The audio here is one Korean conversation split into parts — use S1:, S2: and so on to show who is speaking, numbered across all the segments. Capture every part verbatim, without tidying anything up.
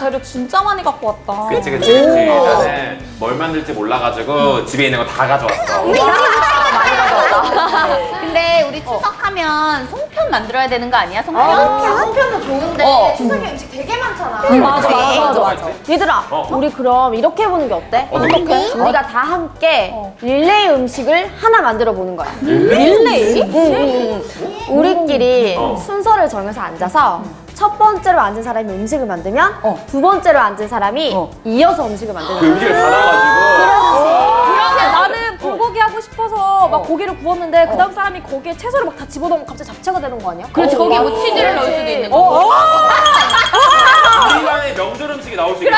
S1: 재료 진짜 많이 갖고 왔다.
S2: 그치 그치 그치. 나는 뭘 만들지 몰라가지고 집에 있는 거 다 가져왔어.
S1: 많이 가져왔다.
S3: 근데 우리 추석하면 송편 만들어야 되는 거 아니야? 송편?
S4: 아, 송편도 좋은데
S3: 어.
S4: 추석에 음식 되게 많잖아.
S1: 응, 맞아, 맞아, 맞아,
S2: 뭐가
S1: 맞아.
S2: 있지?
S5: 얘들아,
S2: 어.
S5: 우리 그럼 이렇게 해보는 게 어때?
S2: 어떻게?
S5: 우리가 다 함께
S1: 어.
S5: 릴레이 음식을 하나 만들어 보는 거야.
S1: 릴레이?
S5: 응, 응, 응. 우리끼리
S2: 어.
S5: 순서를 정해서 앉아서 첫 번째로 앉은 사람이 음식을 만들면
S1: 어.
S5: 두 번째로 앉은 사람이
S1: 어.
S5: 이어서 음식을 만드는
S2: 그
S5: 거야.
S2: 음식을 다 놔가지고.
S6: 그런데 나는 불고기 하고 싶어서 막 고기를 구웠는데 그 다음 사람이 거기에 채소를 막 다 집어넣으면 갑자기 잡채가 되는 거 아니야?
S3: 그렇지, 거기에 뭐
S2: 맞아.
S3: 치즈를 넣을 수도 있는
S6: 어,
S3: 거.
S6: 어.
S2: 우리만의 명절 음식이 나올 수 있겠다.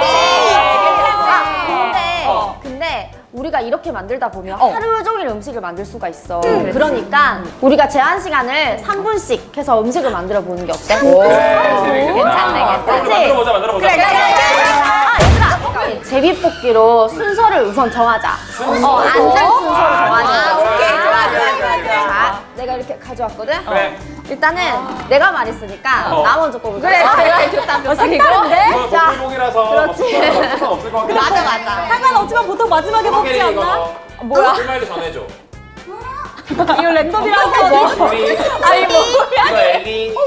S5: 아, 근데,
S2: 어.
S5: 근데 우리가 이렇게 만들다 보면
S1: 어.
S5: 하루 종일 음식을 만들 수가 있어. 그러니까 우리가 제한 시간을 삼 분씩 해서 음식을 만들어 보는 게 어때?
S2: 그래, 재밌겠다.
S3: 괜찮네,
S2: 그럼
S5: 괜찮지?
S2: 만들어보자, 만들어보자.
S5: 아, 얘들아! 제비뽑기로 순서를 우선 정하자. 어, 앉을 순서를 정하자.
S3: 아, 오케이. 좋아, 좋아, 좋아, 좋아.
S5: 자, 내가 이렇게 가져왔거든?
S2: 그래.
S5: 일단은 내가 말했으니까
S2: 어.
S5: 나 먼저 뽑을
S3: 그래,
S5: 거야.
S3: 그래, 좋다, 좋다.
S5: 색다른데?
S2: 이거
S5: 자,
S2: 복불복이라서
S5: 그렇지.
S2: 상관없을 것 같긴
S3: 맞아,
S2: 한데.
S3: 맞아.
S6: 상관없지만 보통 마지막에 먹지
S2: 이거
S6: 않나?
S2: 너
S1: 뭐야?
S2: 꿀말도 전해줘.
S6: 이거 랜덤이라서
S2: 우리
S1: 아니 뭐야?
S2: 이거 엘리. 이거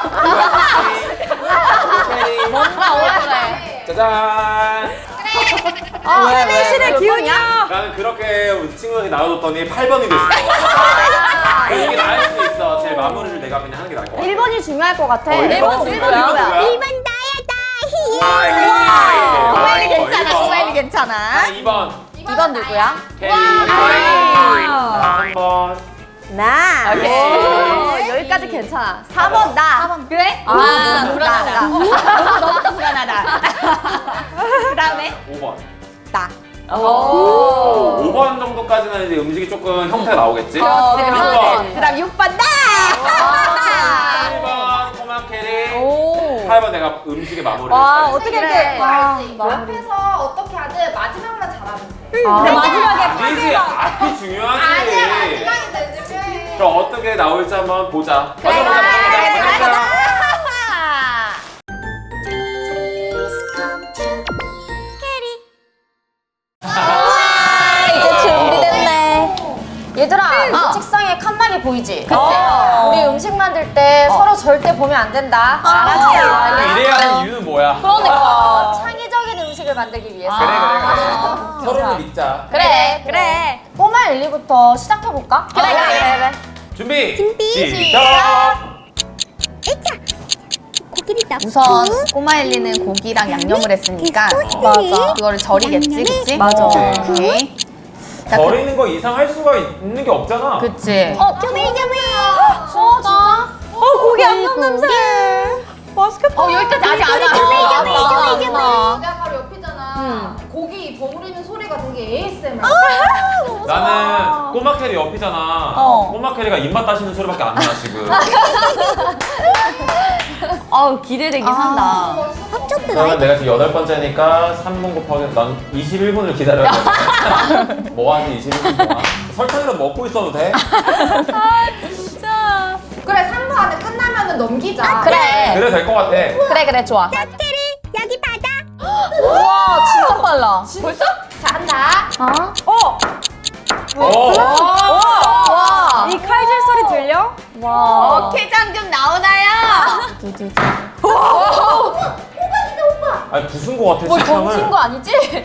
S2: 혜리.
S3: 뭔가 오래.
S2: 짜잔.
S1: 왜, 왜,
S6: 실의
S1: 왜?
S6: 기운이야.
S2: 나는 그렇게 우리 친구한테 나눠줬더니 팔 번이 됐어. 이게 나을 수도 있어. 제 마무리를 내가 그냥 하는 게 나을 것 같아.
S5: 일 번이 중요할 것 같아.
S2: 어, 일 번
S5: 일
S2: 누구야?
S5: 번 누구야?
S2: 일 번 나야다.
S3: 고마일리 괜찮아, 고마일리 괜찮아.
S2: 이 번.
S1: 이건 누구야?
S2: 혜리. 삼 번.
S5: 나.
S1: 오케이.
S5: 오, 여기까지 괜찮아. 사 번 나.
S3: 그래?
S1: 아,
S3: 아, 불안하다.
S5: 나.
S3: 너무 너무 불안하다. 그 다음에
S2: 오 번.
S3: 나.
S1: 오.
S2: 오 번 정도까지는 이제 음식이 조금 형태가 나오겠지?
S1: 어,
S2: 육
S1: 그렇지.
S2: 번.
S3: 그 다음 육 번 나.
S2: 칠 번 꼬마 캐리.
S1: 오.
S2: 팔 번 내가 음식의 마무리를
S1: 와,
S2: 해야지.
S1: 어떻게
S5: 그래.
S1: 이렇게. 와, 마무리.
S4: 앞에서 어떻게 하든 마지막만 잘하면 돼.
S1: 아,
S6: 마지막에
S2: 아니지, 앞이 중요하지.
S4: 아니야, 마지막이 내 집에.
S2: 그럼 어떻게 나올지 한번 보자.
S3: 그래,
S2: 먼저 보자, 먼저 보자,
S3: 그래,
S2: 먼저 보자.
S1: 이제 준비됐네.
S5: 얘들아,
S3: 어.
S5: 책상에 칸막이 보이지?
S1: 그치? 어.
S5: 우리 음식 만들 때 서로 절대 보면 안 된다. 알았지?
S2: 그럼 이래야 하는 이유는 뭐야?
S1: 그러니까.
S5: 창의적인 음식을 만들기 위해서.
S2: 그래, 그래,
S1: 아.
S2: 그래. 서로를 믿자.
S5: 그래, 그래. 꼬마 엘리부터 시작해볼까?
S3: 그래, 그래, 그래.
S2: 준비, 시작!
S3: 우선 꼬마 엘리는 고기랑 양념을 했으니까
S1: 맞아.
S3: 그거를 절이겠지, 그치?
S1: 맞아.
S3: 오케이. 자, 그-
S2: 버리는 거 이상 할 수가 있는 게 없잖아.
S3: 그치.
S1: 어,
S5: 수호다.
S6: 어, 고기 양념 냄새. 맛있겠다.
S3: 어, 여기까지 아직 안 와.
S1: 와.
S4: 내가 바로 옆이잖아. 고기 버무리는 소리가 되게 에이에스엠알.
S2: 나는 꼬마 캐리 옆이잖아.
S1: 어.
S2: 꼬마 캐리가 입맛 따시는 소리밖에 안 나, 지금.
S1: 아우, 기대되긴 한다.
S2: 그러면 내가 지금 여덟 번째니까 삼 분 곱하기 난 이십일 분을 기다려야 돼. 뭐 하지, 이십일 분 동안? 설탕이라도 먹고 있어도 돼?
S1: 진짜.
S4: 그래, 삼 분 안에 끝나면은 넘기자.
S1: 그래.
S2: 그래, 될 것 같아.
S1: 그래, 그래, 좋아. 우와, 진짜 빨라.
S3: 벌써?
S4: 자, 한다.
S6: 어,
S2: 오!
S1: 와.
S6: 이 칼질 소리 들려?
S1: 와.
S3: 어깨장 좀 나오나요?
S2: 아니, 부순 거 같아,
S1: 뭘
S2: 설탕을.
S1: 던진 거 아니지?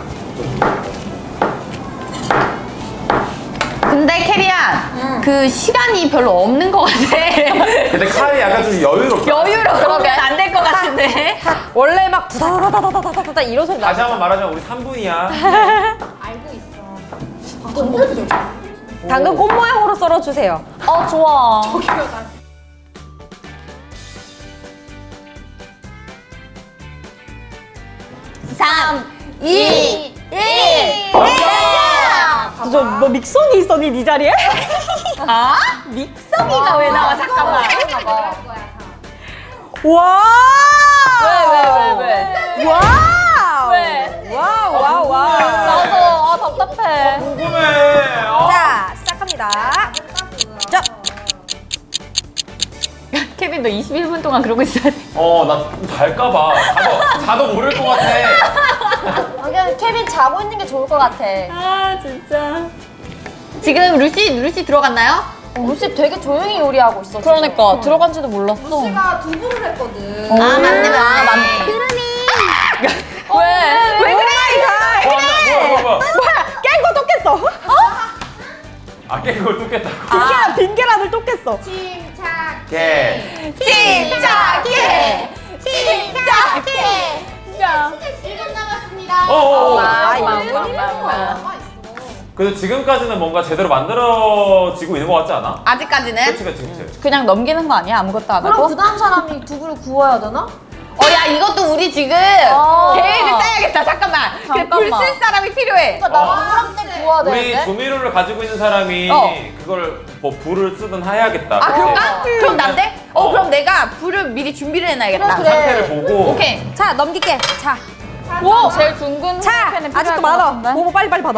S3: 근데 캐리야, 그 시간이 별로 없는 것 같아.
S2: 근데 칼이 약간 좀 여유롭다.
S3: 여유로 그러면 안 될 것 같은데.
S6: 원래 막 부다다다다다다다 이런 소리
S2: 다시
S6: 나잖아.
S2: 한번 말하자면 우리 삼 분이야.
S4: 알고 있어.
S6: 당근 꽃 모양으로 썰어주세요.
S1: 어, 좋아.
S3: 삼, 이, 일.
S6: 저, 너 믹서기 있었니, 네 자리에?
S3: 아? 믹서기가 왜 나와? 잠깐만.
S6: 와!
S1: 왜, 왜, 왜, 왜?
S6: 와우!
S1: 왜?
S6: 와우, 와우, 와우.
S1: 나도, 아, 답답해.
S2: 궁금해. 어?
S6: 자, 시작합니다. 자.
S1: 케빈 너 이십일 분 동안 그러고 있어야 돼.
S2: 어, 나 잘까봐. 자도, 자도 모를 것 같아.
S6: 아, 그냥 케빈 자고 있는 게 좋을 것 같아.
S1: 아 진짜.
S3: 지금 루시 루시 들어갔나요?
S6: 어, 루시 되게 조용히 요리하고 있어.
S1: 그러니까 들어간지도 몰랐어.
S4: 루시가 두부를 했거든.
S3: 아 맞네 맞네.
S1: 맞네. 왜?
S3: 왜 그래?
S2: 어, 뭐야, 뭐야, 뭐야.
S6: 깬 거 또 깼어.
S2: 아, 깬 걸 또 깼다고.
S6: 빈계란, 빈계란을 또 깼어.
S4: 침착.
S2: 깨.
S3: 침착해. 침착해.
S1: 진짜.
S4: 일 분 남았습니다.
S2: 어어.
S3: 아, 이거
S4: 남아 있어.
S2: 그래도 지금까지는 뭔가 제대로 만들어지고 있는 것 같지 않아?
S3: 아직까지는?
S2: 그치, 그치, 그치.
S1: 그냥 넘기는 거 아니야? 아무것도 안
S6: 그럼
S1: 하고?
S6: 그 다음 사람이 두부를 구워야 되나?
S3: 어, 야, 이것도 우리 지금
S1: 어.
S3: 계획을 짜야겠다. 잠깐만.
S1: 잠깐만.
S3: 불쓸 사람이 필요해.
S6: 그러니까
S2: 어.
S6: 나 동그랑땡 구워야
S2: 우리
S6: 되는데?
S2: 조미료를 가지고 있는 사람이
S3: 어.
S2: 그걸 뭐 불을 쓰든 해야겠다.
S3: 아,
S2: 그치?
S3: 그럴까? 그럼 난데? 어,
S2: 어.
S3: 그럼 내가 불을 미리 준비를 해놔야겠다.
S6: 그래, 그래.
S2: 상태를 보고.
S3: 오케이.
S6: 자, 넘길게. 자,
S1: 오! 제일 둥근
S6: 자,
S1: 팬에 필요할
S6: 아직도
S1: 것
S6: 많아.
S1: 같은데?
S6: 모모 빨리 빨리 받아.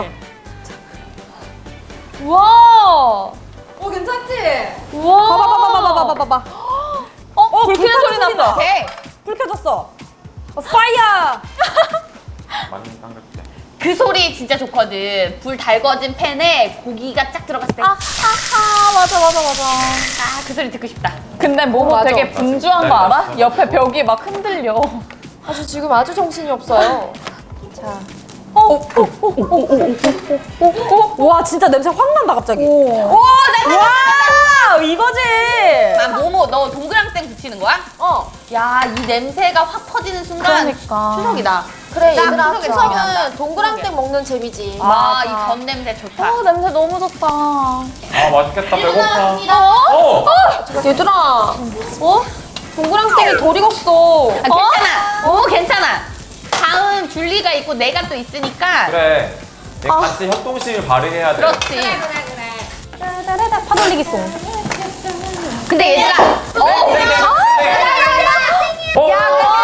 S1: 우와!
S4: 어 괜찮지?
S1: 우와!
S6: 봐봐, 봐봐, 봐봐, 봐봐, 봐봐.
S1: 어? 불 켜는
S6: 불
S1: 소리
S6: 켜는
S1: 났다.
S3: 오케이.
S6: 불 켜졌어. 어, 파이어!
S2: 많이 딴거지.
S3: 그 소리 진짜 좋거든. 불 달궈진 팬에 고기가 쫙 들어갔을 때. 아,
S1: 아하, 맞아, 맞아, 맞아.
S3: 그 소리 듣고 싶다.
S1: 근데 모모
S6: 맞아.
S1: 되게 분주한 거
S2: 맞아.
S1: 알아? 옆에 벽이 막 흔들려.
S6: 아주 지금 아주 정신이 없어요. 자.
S1: 어, 어, 어, 어, 어, 어, 어, 어.
S6: 와, 진짜 냄새 확 난다, 갑자기.
S1: 오.
S3: 오, 나
S6: 와, 이거지!
S3: 나 모모, 너 동그랑땡 붙이는 거야?
S6: 어.
S3: 야, 이 냄새가 확 퍼지는 순간
S1: 그러니까.
S3: 추석이다.
S6: 그래,
S3: 딱
S6: 얘들아,
S3: 추석에 생각이 난다.
S6: 추석은 동그랑땡 먹는 재미지.
S3: 아, 이 전 냄새 좋다.
S1: 어, 냄새 너무 좋다.
S2: 아, 맛있겠다.
S4: 일 분
S2: 배고파.
S4: 남았습니다.
S2: 어!
S6: 얘들아, 어? 동그랑땡이 덜 익었어.
S3: 아, 괜찮아. 오, 괜찮아. 다음 줄리가 있고 내가 또 있으니까.
S2: 그래. 얘 같이 협동심을 발휘해야 돼.
S3: 그렇지.
S4: 그래 그래 그래.
S6: 파돌리기 송.
S3: 근데 얘들아. 어,
S2: 네, 네, 네. 어!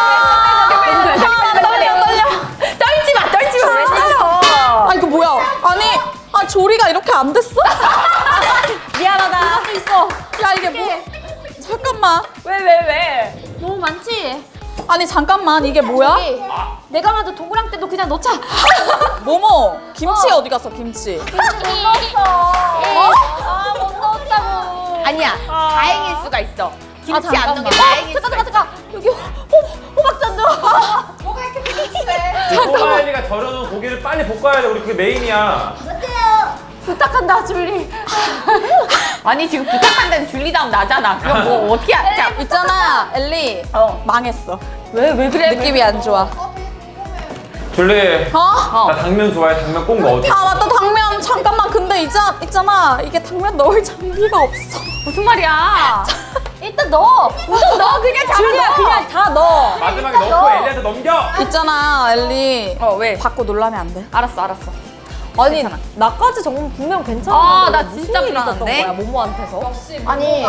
S3: 떨려, 떨려. 떨지 마, 떨지 마. 왜 떨려?
S1: 아, 이거 뭐야? 아니, 아, 조리가 이렇게 안 됐어?
S6: 미안하다.
S1: 이것도 있어. 야, 이게 뭐? 잠깐만. 왜, 왜, 왜?
S6: 너무 많지?
S1: 아니, 잠깐만. 이게 뭐야?
S6: 여기, 내가 만든 동그랑땡도 그냥 넣자.
S1: 모모, 김치 어. 디 갔어, 김치?
S6: 못 넣었어.
S1: 어?
S6: 아, 못 넣었다고.
S3: 아니야. 다행일 수가 있어. 김치 안 넣은 게
S1: 잠깐만.
S3: 다행일
S6: 잠깐,
S3: 수가
S6: 잠깐,
S3: 있어.
S6: 잠깐. 여기 호, 호박잔도.
S4: 뭐가 이렇게 비슷해?
S2: 꼬마엘리가 절여놓은 고기를 빨리 볶아야 돼. 우리 그게 메인이야.
S6: 부탁한다, 줄리.
S3: 아니, 지금 부탁한다는 줄리 다음 나잖아. 그럼 뭐 어떻게 하자.
S1: 있잖아, 엘리.
S3: 어.
S1: 망했어.
S3: 왜, 왜 그래?
S1: 느낌이 안 좋아.
S2: 줄리.
S1: 어?
S2: 나 당면 좋아해. 당면 꼭 넣어줘.
S1: 아, 맞다, 당면. 잠깐만. 근데 있자, 있잖아. 이게 당면 넣을 장비가 없어.
S3: 무슨 말이야?
S6: 일단 넣어.
S3: 우선 너 그냥 잡아
S6: 줄리야,
S3: 넣어.
S6: 그냥 다 넣어.
S2: 마지막에 넣고 엘리한테 넘겨.
S1: 있잖아, 엘리.
S3: 어, 왜?
S1: 받고 놀라면 안 돼.
S3: 알았어, 알았어.
S6: 아니, 나까지 정말 분명 괜찮아.
S3: 아, 나 진짜 불안한데?
S6: 거야, 모모한테서.
S4: 역시
S6: 아니.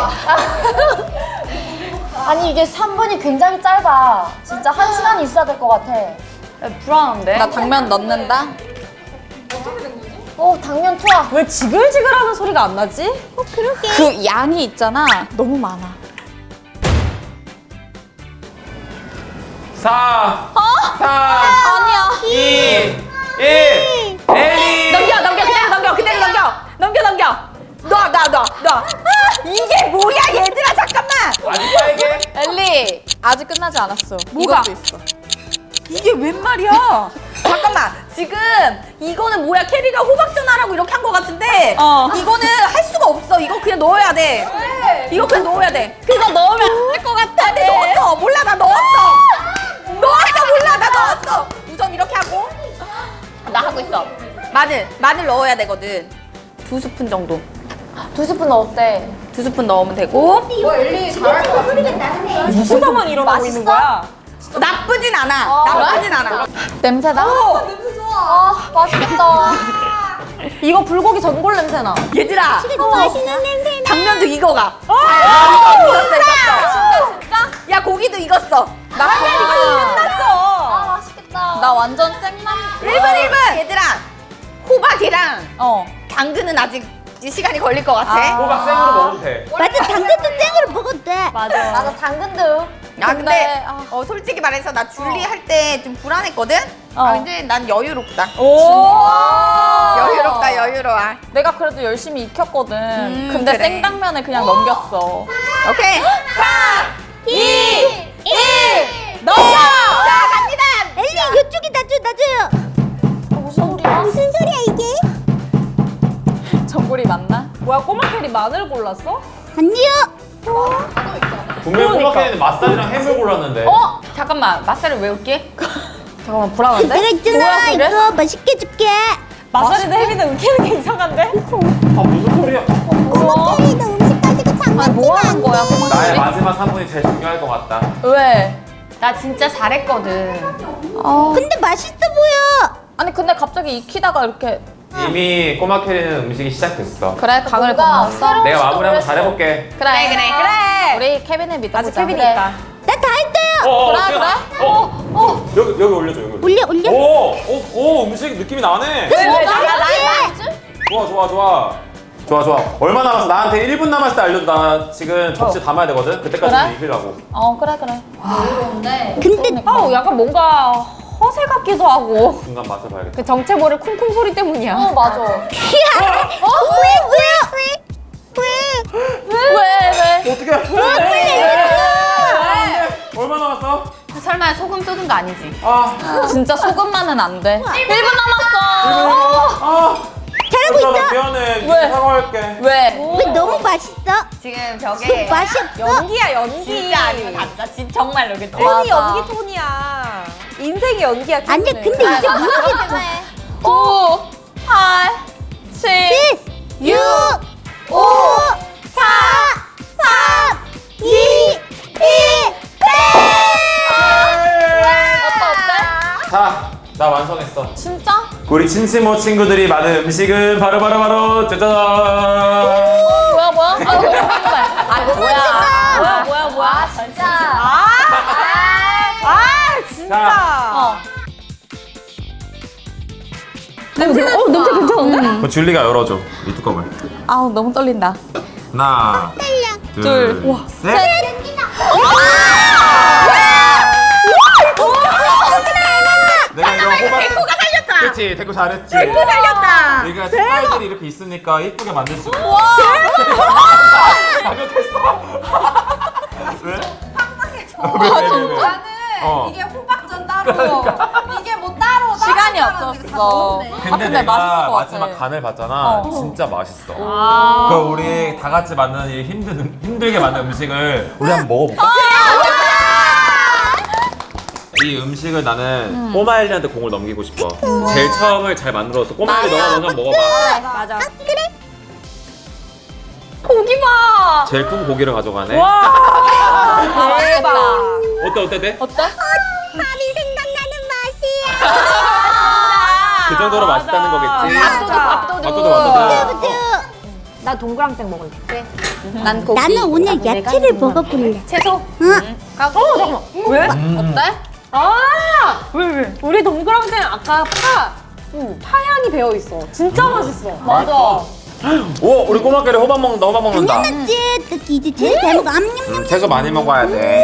S6: 아니, 이게 삼 분이 굉장히 짧아. 진짜 한 시간이 있어야 될 것 같아.
S3: 불안한데?
S1: 나 당면 넣는다.
S6: 어, 당면 투하. 왜 지글지글하는 소리가 안 나지? 어, 그러게.
S1: 그 양이 있잖아. 너무 많아.
S2: 사.
S1: 어?
S2: 삼.
S1: 아니야.
S2: 이. 일. 엘리.
S3: 넘겨, 넘겨, 그대로 넘겨, 그대로 넘겨. 넘겨, 넘겨. 놔, 놔, 놔, 놔. 이게 뭐야, 얘들아, 잠깐만.
S2: 아직 빨개?
S1: 엘리, 아직 끝나지 않았어.
S3: 뭐가?
S1: 이것도 있어.
S3: 이게 웬 말이야? 잠깐만, 지금 이거는 뭐야? 캐리가 호박전 하라고 이렇게 한 거 같은데
S1: 어.
S3: 이거는 할 수가 없어. 이거 그냥 넣어야 돼. 이거 그냥 넣어야 돼. 그거 넣으면 안 될 것 같아. 근데 넣었어. 몰라, 나 넣었어. 넣었어, 몰라, 나 넣었어. 우선 이렇게 하고 나 하고 있어. 마늘, 마늘 넣어야 되거든. 두 스푼 정도.
S6: 두 스푼 넣었대.
S3: 두 스푼 넣으면 되고.
S4: 뭐 엘리 잘할 것 같아.
S6: 무슨만 일어나고 있는 거야?
S3: 나쁘진 않아. 나쁘진 않아.
S1: 냄새나?
S4: 냄새 좋아.
S6: 아, 맛있겠다. 이거 불고기 전골 냄새나.
S3: 얘들아.
S6: 맛있는 냄새.
S3: 당면도 익어가.
S6: 아,
S3: 익었어, 익었어. 진짜? 야, 고기도 익었어. 나
S6: 아,
S3: 끝났어.
S6: 맛있겠다.
S1: 나 완전 생남.
S3: 일 분, 일 분. 얘들아, 호박이랑
S1: 어.
S3: 당근은 아직 시간이 걸릴 것 같아.
S1: 아.
S2: 호박 생으로 먹어도 돼.
S3: 맞아, 당근도 생으로
S7: 먹어도 돼.
S6: 맞아.
S5: 나도 당근도.
S3: 아 근데
S1: 근데, 아.
S3: 어 솔직히 말해서 나 줄리 할 때 좀 불안했거든.
S1: 어.
S3: 아 근데 난 여유롭다.
S1: 오.
S3: 여유롭다 여유로워.
S1: 내가 그래도 열심히 익혔거든.
S3: 음,
S1: 근데
S3: 그래.
S1: 생당면을 그냥 넘겼어.
S3: 오케이. 삼, 이, 일.
S1: 넘겨!
S3: 자 갑니다.
S7: 엘리 이쪽에 놔줘 놔줘요.
S5: 무슨 소리야?
S7: 무슨 소리야 이게?
S1: 전골이 맞나?
S6: 뭐야 꼬마 캐리 마늘 골랐어?
S7: 아니요.
S2: 분명히
S1: 그러니까.
S2: 꼬마캐는 맛살이랑 햄을 골랐는데.
S1: 어? 잠깐만 맛살을 외울게. 잠깐만 불안한데?
S7: 내가 있잖아
S1: 뭐야, 그래?
S7: 이거 맛있게 줄게.
S6: 마사리도 혜미도 은키는 게 이상한데?
S2: 아 무슨 소리야?
S7: 꼬마 캐리 너 음식 가지고 장난치면
S1: 아니 뭐 하는
S7: 안
S1: 거야
S7: 돼.
S2: 나의
S1: 꼬마캐리?
S2: 마지막 한 분이 제일 중요할 것 같다.
S1: 왜?
S5: 나 진짜 잘했거든.
S1: 어.
S7: 근데 맛있어 보여.
S1: 아니 근데 갑자기 익히다가 이렇게
S2: 이미 꼬마캐리는 음식이 시작됐어.
S1: 그래 강을
S5: 뭔가
S1: 건넜어?
S5: 새로운
S2: 내가 마무리 한번
S5: 시도를
S2: 잘해볼게.
S1: 그래
S3: 그래 그래.
S1: 우리 케빈을 믿어보자.
S6: 아직 케빈이
S1: 그래.
S6: 있다.
S7: 나 다 했어요.
S2: 어, 어,
S1: 그래,
S2: 수연아.
S1: 그래?
S2: 어, 어. 여기 여기 올려줘 여기. 올려.
S7: 올려 올려.
S2: 오, 오, 오 음식 느낌이 나네. 좋아 좋아 좋아. 좋아 좋아. 얼마 남았어? 나한테 일 분 남았을 때 알려줘. 나 지금 접시 담아야 되거든. 그때까지
S1: 그래?
S2: 익히려고.
S1: 어 그래 그래.
S4: 어려운데.
S7: 근데
S6: 아우 약간 뭔가 허세 같기도 하고
S2: 중간 맛을 봐야겠다.
S6: 그 정체모를 쿵쿵 소리 때문이야.
S5: 어 맞아.
S7: 왜왜왜 왜?
S1: 왜 왜?
S2: 어떻게? 왜? 얼마 남았어?
S5: 설마 소금 쏟은 거 아니지?
S2: 아,
S1: 진짜 소금만은 안 돼. 일 분 남았어.
S2: 아.
S7: 잘하고
S2: 나
S7: 있어.
S2: 미안해.
S1: 왜?
S2: 사과할게.
S1: 왜?
S7: 왜 너무 맛있어?
S3: 지금
S7: 너
S3: 벽에
S7: 맛이 없어.
S6: 연기야 연기.
S3: 진짜 아니고 가짜 진 정말로 그치?
S6: 톤이
S1: 맞아.
S6: 연기 톤이야. 인생이 연기야.
S7: 아니야
S6: 톤은.
S7: 근데 이제 모르겠어.
S1: 구, 팔, 칠,
S7: 육, 오, 사, 삼, 이, 일.
S1: 어때 어때?
S2: 자, 나 완성했어.
S1: 진짜?
S2: 우리 친치모 친구들이 만든 음식은 바로 바로 바로 짜잔.
S1: 뭐야 뭐야? 아 왜? 아 뭐야?
S6: 뭐야 뭐야 뭐야?
S5: 진짜.
S6: 아, 아 진짜.
S1: 어.
S6: 냄새 어 냄새 괜찮은데?
S2: 그 줄리가 열어줘 이 뚜껑을.
S1: 아우 너무 떨린다.
S2: 하나, 둘,
S1: 둘, 와,
S2: 셋. 내가 이런 호박.
S3: 데코가 살렸다.
S2: 그렇지, 데코 잘했지.
S3: 데코 살렸다.
S2: 우리가 색깔들이 이렇게 있으니까 예쁘게 만들 수 있어. 가격했어. 왜? 왜, 왜, 왜, 왜?
S4: 나는
S2: 어.
S4: 이게 호박전 따로 이게 뭐 따로
S1: 시간이
S4: 따로 따로 이렇게 다
S1: 없었어.
S4: 넣었네.
S1: 아,
S2: 근데,
S1: 근데
S2: 내가
S1: 맛있을 것 같아.
S2: 마지막 간을 봤잖아.
S1: 어.
S2: 진짜 맛있어.
S6: 아.
S2: 그럼 우리 다 같이 만드는 이 힘든 힘들게 만든 음식을 우리 한번 먹어볼까? 이 음식을 나는 꼬마 엘리한테 공을 넘기고 싶어. 제일 처음을 잘 만들어서 꼬마 엘리 너가 먼저 한번 먹어봐.
S6: 맞아.
S1: 고기 봐.
S2: 제일 큰 고기를 가져가네.
S1: 아, 대박.
S2: 어때 어때 돼?
S1: 어때?
S7: 밥이 생각나는 맛이야.
S2: 그 정도로 맛있다는 거겠지.
S6: 밥도둑 밥도둑.
S2: 밥도둑 밥도둑.
S7: 쭈.
S6: 나 동그랑땡 먹을게.
S1: 난 고기.
S7: 나는 오늘 야채를 먹어볼래.
S1: 채소.
S7: 응.
S6: 어 잠깐만. 왜?
S1: 어때?
S6: 아! 왜 왜? 우리 동그랑땡 아까 파, 응, 파향이 배어 있어. 진짜 맛있어.
S1: 맞아.
S2: 오 우리 꼬마 캐리 호박 먹는다 호박 먹는다.
S7: 당연하지. 특히 이제 제일 잘 먹어. 암냠냠.
S2: 음, 채소 많이 먹어야 돼.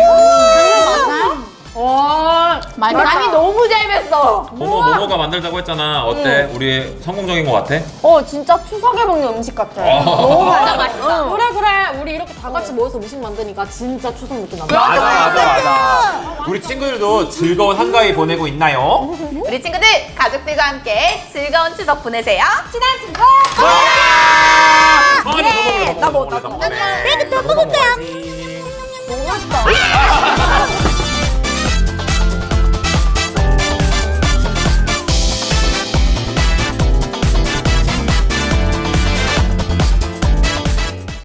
S6: 와,
S1: 많이
S6: 간이 너무 잘 뱄어.
S2: 모모 모모가 만들자고 했잖아. 어때? 우리 성공적인 것 같아?
S6: 어, 진짜 추석에 먹는 음식 같아.
S2: 어.
S6: 너무
S1: 진짜
S6: 맛있어.
S1: 맛있다.
S6: 그래 그래. 우리 이렇게 다 같이 모여서 음식 만드니까 진짜 추석 느낌 난다.
S2: 맞아 맞아 맞아. 우리 친구들도 즐거운 한가위 보내고 있나요?
S3: 우리 친구들 가족들과 함께 즐거운 추석 보내세요. 친한 친구.
S2: 아, 네.
S3: 나 뭐, 나
S2: 뭐,
S7: 내가 더 먹을 거야.
S2: 너무 맛있다.